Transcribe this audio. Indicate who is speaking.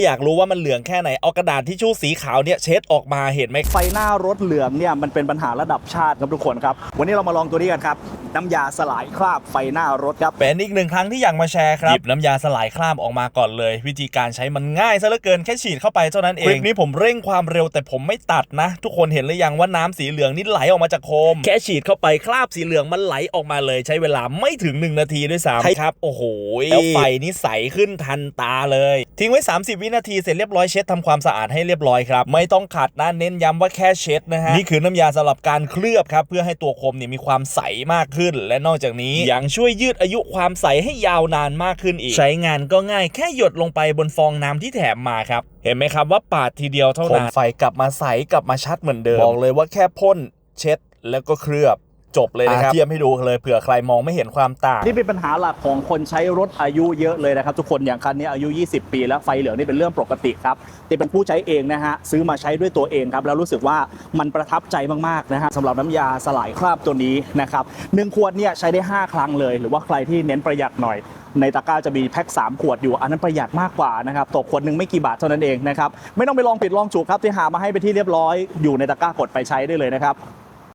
Speaker 1: อยากรู้ว่ามันเหลืองแค่ไหนเอากระดาษทิชชู่สีขาวเนี่ยเช็ดออกมาเห็นไหม
Speaker 2: ไฟหน้ารถเหลืองเนี่ยมันเป็นปัญหาระดับชาติครับทุกคนครับวันนี้เรามาลองตัวนี้กันครับน้ำยาสลายคราบไฟหน้ารถครับ
Speaker 1: เป็นอีกหนึ่งครั้งที่อยากมาแชร์ครับหยิบน้ำยาสลายคราบออกมาก่อนเลยวิธีการใช้มันง่ายซะเหลือเกินแค่ฉีดเข้าไปเท่านั้นเองคลิปนี้ผมเร่งความเร็วแต่ผมไม่ตัดนะทุกคนเห็นหรือยังว่าน้ำสีเหลืองนี่ไหลออกมาจากโคมแค่ฉีดเข้าไปคราบสีเหลืองมันไหลออกมาเลยใช้เวลาไม่ถึง1 นาทีด้วยซ้ำครับโอ้โหแล้วไฟนี่ใสขึ้นทันตาเลยทิ้งไว้30 วินาทีเสร็จเรียบร้อยเช็ดทำความสะอาดให้เรียบร้อยครับไม่ต้องขัดนะเน้นย้ำว่าแค่เช็ดนะฮะนี่คือน้ำยาสำหรับการเคลือบครับเพื่อให้ตัวโคมเนี่ยมีความใสมากขึ้นและนอกจากนี้ยังช่วยยืดอายุความใสให้ยาวนานมากขึ้นอีกใช้งานก็ง่ายแค่หยดลงไปบนฟองน้ำที่แถมมาครับเห็นไหมครับว่าปาดทีเดียวเท่านั้นไฟกลับมาใสกลับมาชัดเหมือนเดิมบอกเลยว่าแค่พ่นเช็ดแล้วก็เคลือบจบเลยนะครับเทียบให้ดูเลยเผื่อใครมองไม่เห็นความต่าง
Speaker 2: นี่เป็นปัญหาหลักของคนใช้รถอายุเยอะเลยนะครับทุกคนอย่างคันนี้อายุ20 ปีแล้วไฟเหลืองนี่เป็นเรื่องปกติครับแต่เป็นผู้ใช้เองนะฮะซื้อมาใช้ด้วยตัวเองครับแล้วรู้สึกว่ามันประทับใจมากๆนะฮะสำหรับน้ำยาสลายคราบตัวนี้นะครับ1 ขวดเนี่ยใช้ได้5 ครั้งเลยหรือว่าใครที่เน้นประหยัดหน่อยในตะกร้าจะมีแพ็ค3 ขวดอยู่อันนั้นประหยัดมากกว่านะครับตกขวดนึงไม่กี่บาทเท่านั้นเองนะครับไม่ต้องไปลองผิดลองถูกครับที่หามาให้ไปที่เรียบร้อยอยู่ในตะกร้ากดไปใช้ได้เลยนะครับ